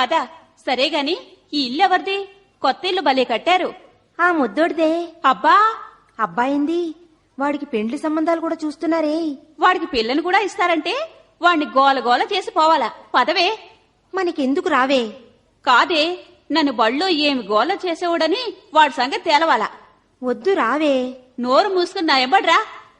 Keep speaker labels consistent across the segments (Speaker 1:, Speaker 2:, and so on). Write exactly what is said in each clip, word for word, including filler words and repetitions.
Speaker 1: పద. సరే గాని ఈ ఇల్లు ఎవరిది? కొత్త ఇల్లు భలే కట్టారు.
Speaker 2: ఆ ముద్దోడిదే.
Speaker 1: అబ్బా,
Speaker 2: అబ్బాయింది. వాడికి పెండ్లి సంబంధాలు కూడా చూస్తున్నారే.
Speaker 1: వాడికి పిల్లని కూడా ఇస్తారంటే వాణ్ణి గోల గోల చేసి పోవాలా. పదవే.
Speaker 2: మనకెందుకు రావే?
Speaker 1: కాదే, నన్ను బళ్ళో ఏమి గోల చేసేవాడని వాడి సంగతి తేలవాలా.
Speaker 2: వద్దు రావే.
Speaker 1: నోరు మూసుకుని నా ఎంబడ్రా.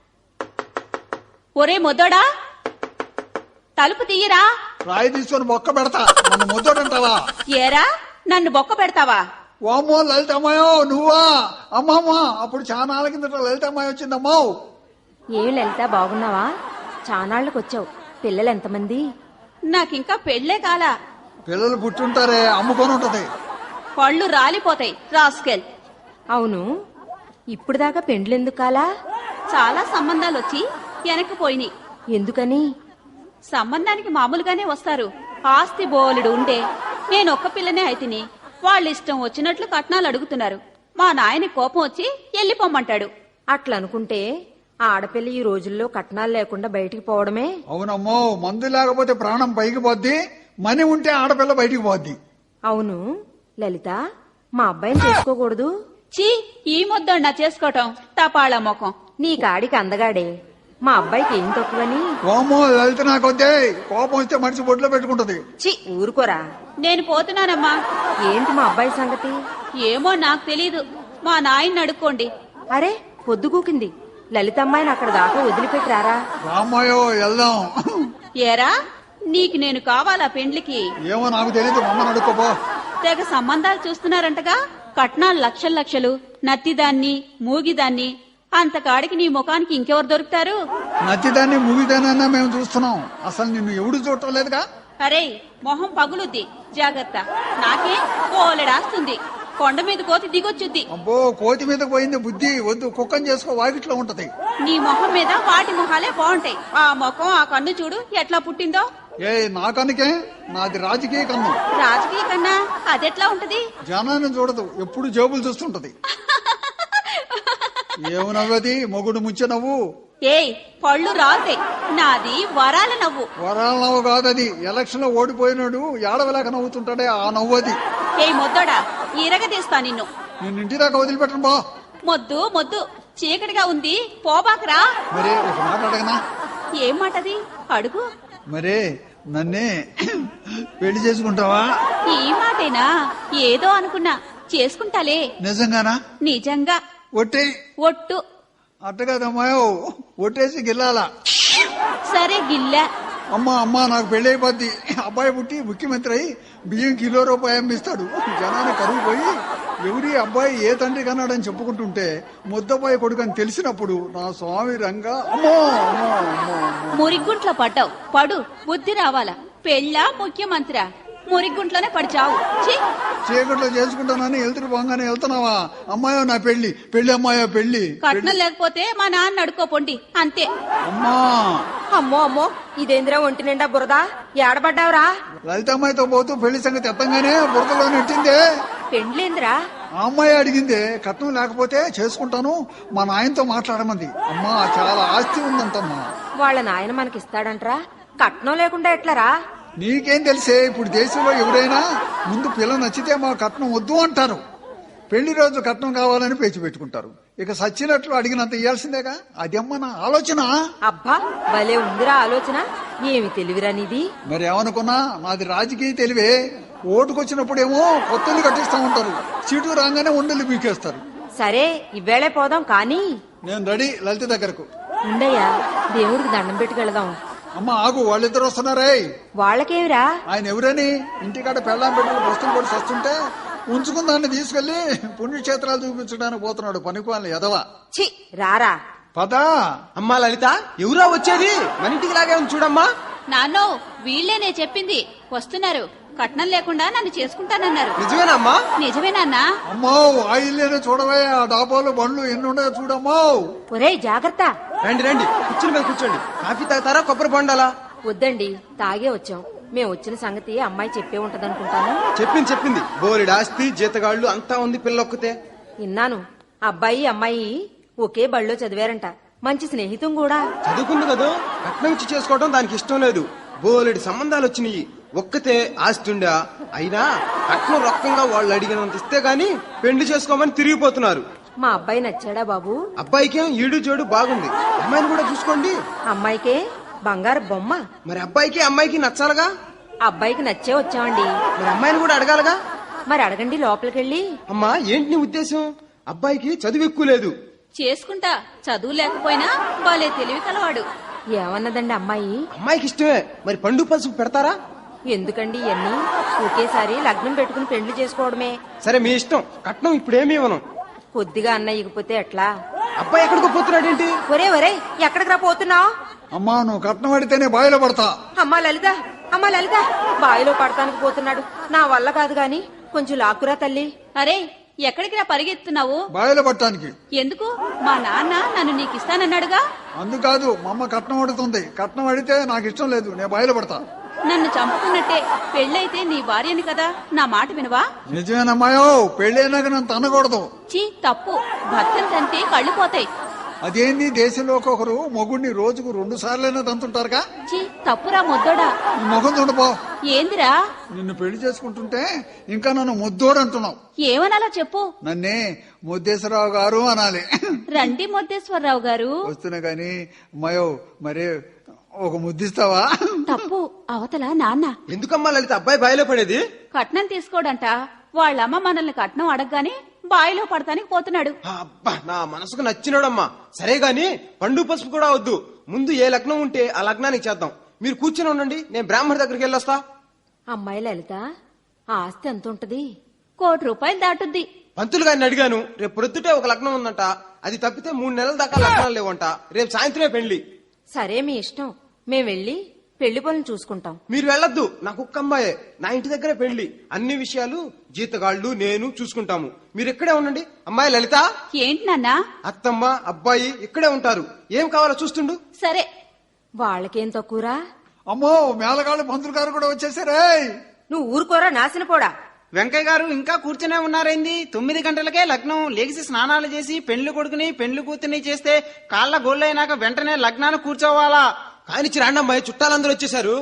Speaker 1: ఒరే మొద్దోడా, తలుపు తీయరా.
Speaker 3: రాయి తీసుకొని బొక్క పెడతా. నన్ను ముద్దోడంటావా?
Speaker 1: ఏరా, నన్ను బొక్క పెడతావా?
Speaker 3: ఓమో లలితమ్మాయో నువ్వా? అమ్మమ్మా, అప్పుడు చాలా కిందట లలితమ్మాయి వచ్చిందమ్మా.
Speaker 2: ఏమి లలిత, బాగున్నావా? చానాళ్లకు వచ్చావు. పిల్లలు ఎంతమంది?
Speaker 1: నాకింకా పెళ్లే కాలా.
Speaker 3: పిల్లలు పుట్టుంటారే, అమ్ముకొని ఉంటది.
Speaker 1: పళ్ళు రాలిపోతాయి రాస్కెల్.
Speaker 2: అవును, ఇప్పుడు దాకా పెండ్లెందుకు కాలా?
Speaker 1: చాలా సంబంధాలొచ్చి వెనక్కిపోయినాయి.
Speaker 2: ఎందుకని?
Speaker 1: సంబంధానికి మామూలుగానే వస్తారు. ఆస్తి బోలెడు ఉండే. నేనొక్క పిల్లనే అయితిని. వాళ్ళిష్టం వచ్చినట్లు కట్నాలు అడుగుతున్నారు. మా నాయన కోపం వచ్చి ఎల్లిపోమ్మంటాడు.
Speaker 2: అట్లనుకుంటే ఆడపిల్ల ఈ రోజుల్లో కట్నాలు లేకుండా బయటికి పోవడమే.
Speaker 3: అవునమ్మో, మందు లేకపోతే ప్రాణం పైకి పోద్ది, మని ఉంటే ఆడపిల్ల బయటికి పోద్ది.
Speaker 2: అవును లలిత, మా అబ్బాయిని చేసుకోకూడదు?
Speaker 1: చీ, ఈ ముద్దన్నా చేసుకోవటం తపాళ ముఖం.
Speaker 2: నీ కాడికి అందగాడే. మా అబ్బాయికి ఏం తక్కువని?
Speaker 3: ఓమో లలిత, నాకొద్దే. కోపం వస్తే మనిషి బొడ్లో పెట్టుకుంటది.
Speaker 2: చి ఊరుకోరా.
Speaker 1: నేను పోతున్నానమ్మా.
Speaker 2: ఏంటి మా అబ్బాయి సంగతి?
Speaker 1: ఏమో నాకు తెలీదు. మా నాయన్ని అడుక్కోండి.
Speaker 2: అరే పొద్దుగూకింది. లలితమ్మాయిని అక్కడ దాకా వదిలిపెట్టారా?
Speaker 3: రామాయో వెళ్దాం.
Speaker 1: ఏరా, నీకు నేను కావాలా పెండ్లికి?
Speaker 3: ఏమో నాకు తెలీదు, మమ్మల్ని అడుక్కోపో.
Speaker 1: తెగ సంబంధాలు చూస్తున్నారంటగా. కట్నాలు లక్షలు లక్షలు, నత్తిదాన్ని మూగిదాన్ని. అంతకాడికి నీ ముఖానికి ఇంకెవరు దొరుకుతారు?
Speaker 3: నచ్చిదాన్ని మూగిదానన్నా మేము చూస్తున్నాం. అసలు నిన్ను ఎవడు చూడటం లేదుగా.
Speaker 1: అరే, మొహం పగులుద్ది, జాగ్రత్త. నాకే కోలెడాస్తుంది. కొండ మీద కోతి దిగొచ్చుద్ది.
Speaker 3: అబ్బో, కోతి మీద పోయింది బుద్ధి. వద్దు, కుక్కని చేసుకో, వాకిట్లో ఉంటది.
Speaker 1: నీ మొహం మీద వాటి మొహాలే బాగుంటాయి. ఆ ముఖం, ఆ కన్ను చూడు ఎట్లా పుట్టిందో.
Speaker 3: ఏ నా కనుకే, నాది రాజకీయ కన్ను.
Speaker 1: రాజకీయ కన్నా అదెట్లా ఉంటది?
Speaker 3: జనాన్ని చూడదు, ఎప్పుడు జేబులు చూస్తుంటది. ఏమి నవ్వది? మొగుడు ముంచె నవ్వు.
Speaker 1: ఏయ్, పళ్ళు రాలుతాయి. నాది వరాల నవ్వు.
Speaker 3: వరాల నవ్వు కాదది. ఎలక్షన్ లో ఓడిపోయినాడు ఏడవలేక నవ్వుతుంటాడే, ఆ నవ్వది.
Speaker 1: ఏయ్ మొద్దోడా, ఇరగదీస్తా నిన్ను.
Speaker 3: నిన్ను ఇంటి దాకా వదిలిపెట్టను బా.
Speaker 1: మొద్దు మొద్దు, చీకటిగా ఉంది, పోబాకరా.
Speaker 3: మరే ఒక మాట అడగనా?
Speaker 1: ఏం మాటది? అడుగు.
Speaker 3: మరే నన్నే పెళ్లి చేసుకుంటావా?
Speaker 1: ఈ మాటేనా? ఏదో అనుకున్నా. చేసుకుంటాలే.
Speaker 3: నిజంగానా?
Speaker 1: నిజంగా.
Speaker 3: ఒట్టే.
Speaker 1: ఒట్టు.
Speaker 3: అట్టగాదమ్మాయో, ఒట్టేసి గిల్లాలా.
Speaker 1: సరే గిల్లా.
Speaker 3: అమ్మా అమ్మా, నాకు పెళ్లి అయిపోద్ది. అబ్బాయి పుట్టి ముఖ్యమంత్రి అయి బియ్యం కిలో రూపాయి అమ్మిస్తాడు. జనాన్ని కరువు పోయి ఎవరి అబ్బాయి ఏ తండ్రి కన్నాడని చెప్పుకుంటుంటే ముద్దబ్బాయి కొడుకు అని తెలిసినప్పుడు నా స్వామి రంగా అమ్మో అమ్మో అమ్మో.
Speaker 1: మురిగుంట్లో పడ్డావు. పడు, బుద్ధి రావాలా. పెళ్ళా ముఖ్యమంత్రి? మురిగుంట్లోనే పడిచావు.
Speaker 3: చీకట్లో చేసుకుంటానని వెళ్తురు పోగానే వెళ్తున్నావా? అమ్మాయో నా పెళ్లి, పెళ్లి అమ్మాయో పెళ్లి.
Speaker 1: కట్నం లేకపోతే మా నాన్న అడుకోపోండి, అంతే.
Speaker 3: అమ్మా.
Speaker 2: అమ్మో అమ్మో, ఇదేంద్రా ఒంటి నిండా బురదా? ఏడబడ్డావురా?
Speaker 3: లలితమ్మాయితో పోతూ పెళ్లి సంగతి ఎత్తంగానే బురదలో నెట్టిందే.
Speaker 2: పెండ్లేంద్రా?
Speaker 3: ఆ అమ్మాయి అడిగిందే, కట్నం లేకపోతే చేసుకుంటాను, మా నాయనతో మాట్లాడమంది. అమ్మా, చాలా ఆస్తి ఉందంటమ్మా.
Speaker 2: వాళ్ళ నాయన మనకిస్తాడంట్రా? కట్నం లేకుండా ఎట్లరా?
Speaker 3: నీకేం తెలిసే? ఇప్పుడు దేశంలో ఎవరైనా ముందు పిల్ల నచ్చితే మా కట్నం వద్దు అంటారు. పెళ్లి రోజు కట్నం కావాలని పేచి పెట్టుకుంటారు. ఇక సచ్చినట్లు అడిగినంత ఇయ్యాల్సిందేగా. అదమ్మా నా ఆలోచన.
Speaker 2: అబ్బా, భలే ఉందిరా ఆలోచన. ఏమి తెలివిరా నీది?
Speaker 3: మరి ఏమనుకున్నా, నాది రాజకీయ తెలివే. ఓటుకొచ్చినప్పుడేమో కొత్తలు కట్టిస్తా ఉంటారు, సీటు రాగానే ఉండలు బీకేస్తారు.
Speaker 2: సరే, ఇవ్వేళే పోదాం కానీ.
Speaker 3: నేను రెడీ లలిత దగ్గరకు.
Speaker 2: ఉండయ్యా, దేవుడికి దండం పెట్టుకెళదాం.
Speaker 3: అమ్మ ఆగు, వాళ్ళిద్దరు వస్తున్నారే.
Speaker 2: వాళ్ళకేమిరా?
Speaker 3: ఆయన ఎవరని ఇంటికాడ పెళ్ళాం బిడ్డలు బస్తులు పడి వస్తుంటే ఉంచుకున్న దాన్ని తీసుకెళ్లి పుణ్యక్షేత్రాలు చూపించడానికి పోతున్నాడు పనికివాళ్ళ ఎదవ.
Speaker 2: చి రారా.
Speaker 3: పదా.
Speaker 4: అమ్మా లలిత, ఎవరా వచ్చేది? మన ఇంటికి లాగే ఉంది చూడమ్మా.
Speaker 1: నాన్నో, వీళ్లేనే చెప్పింది. వస్తున్నారు. కట్నం లేకుండా నన్ను చేసుకుంటానన్నారు.
Speaker 4: నిజమేనమ్మా?
Speaker 1: నిజమేనాన్నా?
Speaker 3: అమ్మో, ఆ ఇల్లేనే చూడవే. ఆ డాబాలు బండ్లు ఎన్ని ఉన్నాయో చూడమ్మో.
Speaker 2: ఒరేయ్ జాగ్రత్త.
Speaker 4: రండి రండి, కూర్చుని మీద కూర్చోండి. కాఫీ తాగుతారా, కొబ్బరి బొండాలా?
Speaker 2: వద్దండి, తాగే వచ్చాం. మేము వచ్చిన సంగతి అమ్మాయి చెప్పే ఉంటదనుకుంటాను.
Speaker 4: చెప్పింది చెప్పింది. బోలెడు ఆస్తి, జీతగాళ్లు అంతా ఉంది పిల్లొక్కతే.
Speaker 2: విన్నాను. అబ్బాయి అమ్మాయి ఒకే బళ్ళో చదివారంట. మంచి స్నేహితం కూడా.
Speaker 4: చదువుకుంది కదా, కట్నం ఇచ్చి చేసుకోవడం దానికి ఇష్టం లేదు. బోలెడు సంబంధాలు వచ్చినాయి. ఒక్కతే ఆస్తుండా అయినా కట్నం రొక్కంగా వాళ్ళు అడిగినంత ఇస్తే గాని పెళ్లి చేసుకోమని తిరిగిపోతున్నారు.
Speaker 2: మా అబ్బాయి నచ్చాడా బాబు?
Speaker 4: అబ్బాయికేం ఈడు జోడు బాగుంది, అమ్మాయిని కూడా చూసుకోండి.
Speaker 2: అమ్మాయికే బంగారు బొమ్మ.
Speaker 4: మరి అబ్బాయికి అమ్మాయికి నచ్చాలగా.
Speaker 2: అబ్బాయికి నచ్చే వచ్చామండి.
Speaker 4: మరి అమ్మాయిని కూడా అడగాలగా.
Speaker 2: మరి అడగండి లోపలికెళ్ళి.
Speaker 4: అమ్మా ఏంటి నీ ఉద్దేశం? అబ్బాయికి చదువు ఎక్కువ లేదు.
Speaker 1: చేసుకుంటా, చదువు లేకపోయినా బాలే తెలివి కలవాడు.
Speaker 2: ఏమన్నదండి అమ్మాయి?
Speaker 4: అమ్మాయికి ఇష్టమే, మరి పండు పసుపు పెడతారా?
Speaker 2: ఎందుకండి ఇవన్నీ? ఒకేసారి లగ్నం పెట్టుకుని పెళ్లి చేసుకోవడమే.
Speaker 4: సరే మీ ఇష్టం, కట్నం ఇప్పుడేమీ ఇవ్వను.
Speaker 2: కొద్దిగా అన్న ఇగిపోతే ఎట్లా?
Speaker 4: అబ్బాయి ఎక్కడికో పోతున్నాడేంటి?
Speaker 2: ఒరే ఒరే ఎక్కడికి రా పోతున్నావు?
Speaker 3: అమ్మా నువ్వు కట్నం అడితేనే బాయిలో పడతా.
Speaker 2: అమ్మా లలిత, అమ్మా లలిత, బావిలో పడతానికి పోతున్నాడు. నా వల్ల కాదు గాని కొంచెం లాక్కురా తల్లి.
Speaker 1: అరే ఎక్కడికి రా పరిగెత్తున్నావు?
Speaker 3: బాయిలో పట్టడానికి.
Speaker 1: ఎందుకు? మా నాన్న నన్ను నీకు ఇస్తానన్నాడుగా.
Speaker 3: అందుకాదు మా అమ్మ కట్నం అడుగుతుంది. కట్నం అడిగితే నాకు ఇష్టం లేదు, నేను బాయిలో పడతా.
Speaker 1: నన్ను చంపుకున్నట్టే. పెళ్ళైతే నీ భార్యని కదా, నా మాట వినవా?
Speaker 3: నిజమేనమ్మాయో, పెళ్ళైనాక నన్ను తనకూడదు.
Speaker 1: చీ తప్పు. భర్తను తంటే కళ్ళు పోతాయి.
Speaker 3: అదేంది, దేశంలో ఒకరు మొగుడిని రోజుకు రెండు సార్లైనా తంతుంటారుగా.
Speaker 1: చీ తప్పురా ముద్దోడా.
Speaker 3: నీ మొహం చూడపో.
Speaker 1: ఏందిరా?
Speaker 3: నిన్ను పెళ్లి చేసుకుంటుంటే ఇంకా నన్ను ముద్దోడు అంటున్నావు.
Speaker 1: ఏమనాలా చెప్పు.
Speaker 3: నన్నే ముద్దేశ్వరరావు గారు అనాలి.
Speaker 1: రండి ముద్దేశ్వరరావు గారు.
Speaker 3: వస్తున్నా గాని అమ్మాయో మరి ఒక ముద్దిస్తావా?
Speaker 1: తప్పు. అవతల నాన్న.
Speaker 4: ఎందుకమ్మా లలిత అబ్బాయి బాయిలో పడేది?
Speaker 1: కట్నం తీసుకోడంట. వాళ్ళమ్మ మనల్ని కట్నం అడగగానే బాయిలో పడతానికి పోతున్నాడు.
Speaker 4: అబ్బా నా మనసుకు నచ్చినాడమ్మా. సరే గాని పండు పసుపు కూడా వద్దు, ముందు ఏ లగ్నం ఉంటే ఆ లగ్నానికి చేద్దాం. మీరు కూర్చొని ఉండండి, నేను బ్రాహ్మణ దగ్గరికి వెళ్ళొస్తా.
Speaker 2: అమ్మాయి లలిత, ఆ ఆస్తి ఎంత ఉంటది?
Speaker 1: కోటి రూపాయలు దాటుద్ది.
Speaker 4: పంతులు గారిని అడిగాను, రేపు ప్రొద్దుటే ఒక లగ్నం ఉందంట. అది తప్పితే మూడు నెలల దాకా లగ్నాలు లేవంట. రేపు సాయంత్రమే పెళ్లి.
Speaker 2: సరే మీ ఇష్టం, మేం వెళ్ళి పెళ్లి పనులు చూసుకుంటాం.
Speaker 4: మీరు వెళ్ళొద్దు, నా కుక్క అమ్మాయే, నా ఇంటి దగ్గరే పెళ్లి. అన్ని విషయాలు జీతగాళ్లు నేను చూసుకుంటాము. మీరు ఇక్కడే ఉండండి. అమ్మాయి లలిత.
Speaker 1: ఏంటి నాన్న?
Speaker 4: అత్తమ్మ అబ్బాయి ఇక్కడే ఉంటారు. ఏం కావాలో చూస్తుండు.
Speaker 1: సరే.
Speaker 2: వాళ్ళకేం తక్కువరా?
Speaker 3: అమ్మో మేళగాళ్ళు పంతులు గారు కూడా వచ్చేసారే.
Speaker 2: నువ్వు ఊరుకోరా నాశన పోడా.
Speaker 5: వెంకయ్య గారు ఇంకా కూర్చునే ఉన్నారైంది? తొమ్మిది గంటలకే లగ్నం. లేచి స్నానాలు చేసి పెండ్లి కొడుకుని పెండ్లి కూతుర్ని చేస్తే కాళ్ళ గోళ్ళైనాక వెంటనే లగ్నాన్ని కూర్చోవాలా?
Speaker 4: కానిచ్చి రాండి అమ్మాయి, చుట్టాలందరూ వచ్చేసారు.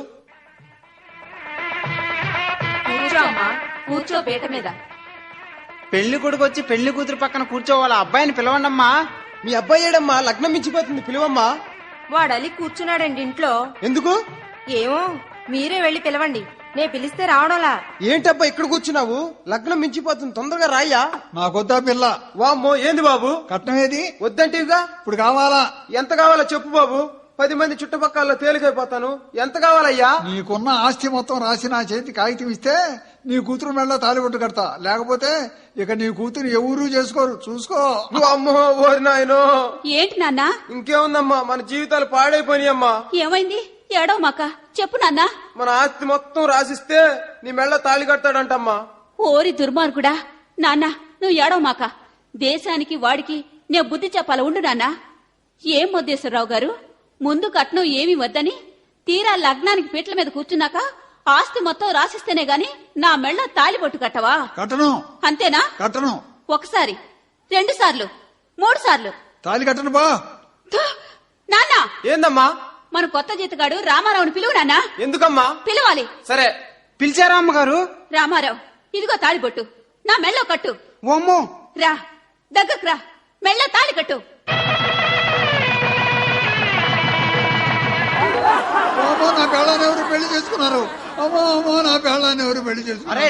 Speaker 2: కూర్చో అమ్మా, కూర్చో పీట మీద.
Speaker 5: పెళ్లి కొడుకు వచ్చి పెళ్లి కూతురు పక్కన కూర్చోవాలా? అబ్బాయిని పిలవండమ్మా.
Speaker 4: మీ అబ్బాయి ఏడమ్మా? లగ్నం మించిపోతుంది, పిలువమ్మా.
Speaker 2: వాడు అలి కూర్చున్నాడండి ఇంట్లో.
Speaker 4: ఎందుకు?
Speaker 2: ఏమో, మీరే వెళ్లి పిలవండి. నే పిలిస్తే రావడంలా.
Speaker 4: ఏంటబ్బా ఇక్కడ కూర్చున్నావు? లగ్నం మించిపోతుంది, తొందరగా రాయ్యా.
Speaker 3: నాకొద్దా పిల్ల.
Speaker 4: వామ్మో ఏంది బాబు?
Speaker 3: కట్నం ఏది?
Speaker 4: వద్దంటివిగా.
Speaker 3: ఇప్పుడు కావాలా?
Speaker 4: ఎంత కావాలో చెప్పు బాబు, పది మంది చుట్టుపక్కల తేలికైపోతాను. ఎంత కావాలయ్యా?
Speaker 3: నీకున్న ఆస్తి మొత్తం రాసి నా చేతి కాగితం ఇస్తే నీ కూతురు మెళ్ళ తాలిబొట్టు కడతా. లేకపోతే ఇక నీ కూతురు ఎవరూ చేసుకోరు, చూసుకో.
Speaker 4: అమ్మో ఓరి నాయనో.
Speaker 1: ఏంటి నాన్న?
Speaker 4: ఇంకేముందమ్మా, మన జీవితాలు పాడైపోయినాయమ్మా.
Speaker 1: ఏమైంది? ఏడవ మాక చెప్పు నాన్న.
Speaker 4: మన ఆస్తి మొత్తం రాసిస్తే నీ మెళ్ళ తాళి కడతాడంటమ్మా.
Speaker 1: ఓరి దుర్మార్గుడా. నాన్న నువ్వు ఏడవ మాక. దేశానికి వాడికి నే బుద్ధి చెప్పాల ఉండు నాన్న. ఏం మొద్దేశ్వరరావు గారు, ముందు కట్నం ఏమీ వద్దని తీరా లగ్నానికి పీటల మీద కూర్చున్నాక ఆస్తి మొత్తం రాసిస్తేనే గాని నా మెళ్ళ తాలిబొట్టు కట్టవా?
Speaker 3: కట్టను.
Speaker 1: అంతేనా?
Speaker 3: కట్టను.
Speaker 1: ఒకసారి, రెండు సార్లు, మూడు సార్లు
Speaker 3: తాలి కట్టను బా.
Speaker 1: థు, నాన్న.
Speaker 4: ఏందమ్మా?
Speaker 1: మన కొత్త జీతగాడు రామారావుని పిలువు నాన్న.
Speaker 4: ఎందుకమ్మా?
Speaker 1: పిలవాలి.
Speaker 4: సరే.
Speaker 5: పిలిచారా అమ్మగారు?
Speaker 1: రామారావు, ఇదిగో తాళిబొట్టు, నా మెళ్ళో కట్టు.
Speaker 5: ఓమ్మో.
Speaker 1: రా, దగ్గరకు రా, మెళ్ళ తాళి కట్టు.
Speaker 3: అమ్మో నా పెళ్ళాన్ని ఎవరు పెళ్లి చేసుకున్నారు? అమ్మో అమ్మో నా పెళ్ళాన్ని ఎవరు పెళ్లి చేసుకున్నారు?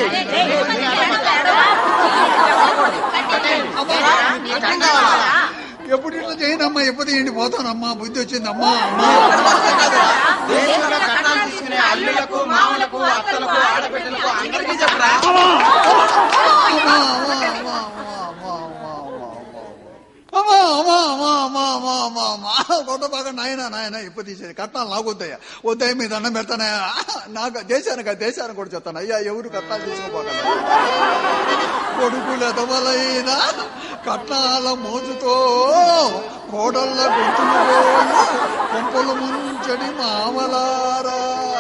Speaker 3: ఎప్పుడు ఇట్లా చేయనమ్మా, ఎప్పుడు ఏంటి పోతానమ్మా, బుద్ధి వచ్చిందమ్మా. అమ్మా
Speaker 5: దేశంలో కట్నాలు తీసుకునే అల్లులకు, మామలకు, అత్తలకు, ఆడబిడ్డలకు అందరికీ చెప్పరా?
Speaker 3: అమ్మా అమ్మా అమ్మా అమ్మా అమ్మా అమ్మా అమ్మా అమ్మా అమ్మా అమ్మా అమ్మా కొత్త బాగా నాయన నాయన ఇప్పుడు తీసేది కట్నాలు నాకు వద్దయ్యా. వద్దయ్య మీద అన్నం పెడతానయ్యా. నాకు దేశానికి దేశానికి కూడా చెప్తాను అయ్యా, ఎవరు కట్నాలు తీసుకోపోగలరు? కొడుకుల ఎదవలైనా కట్నాల మోజుతో కోడళ్ళ గొంతులు కొంపలు ముంచడి మామలారా.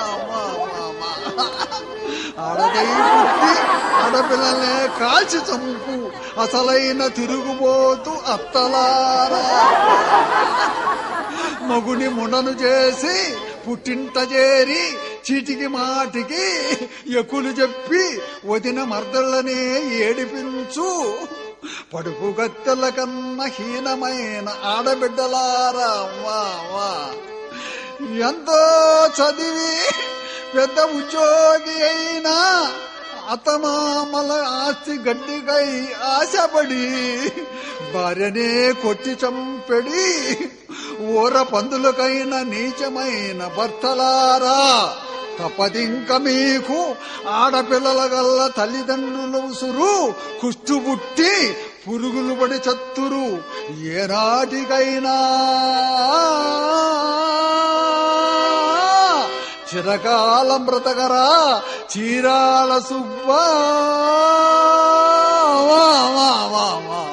Speaker 3: ఆడదై పుట్టి ఆడపిల్లల్నే కాల్చి చంపు అసలైన తిరుగుబోతు అత్తలారా. మగుని మునను చేసి పుట్టింట చేరి చీటికి మాటికి ఎక్కులు చెప్పి వదిన మర్దళ్ళనే ఏడిపించు పడుపు గత్తెల కన్నా హీనమైన ఆడబిడ్డలారా వా వా ఎంతో చదివి పెద్ద ఉద్యోగి అయినా అతమామల ఆస్తి గడ్డికై ఆశపడి భార్యనే కొట్టి చంపెడి ఊర పందులకైన నీచమైన భర్తలారా తప్పదింక మీకు ఆడపిల్లల గల్ల తల్లిదండ్రులు ఉసురు కుష్టుబుట్టి పురుగులు పడి చత్తురు ఏనాటికైనా చిరకాలం బ్రతకరా చీరాల సుబ్బా వా వా వా వా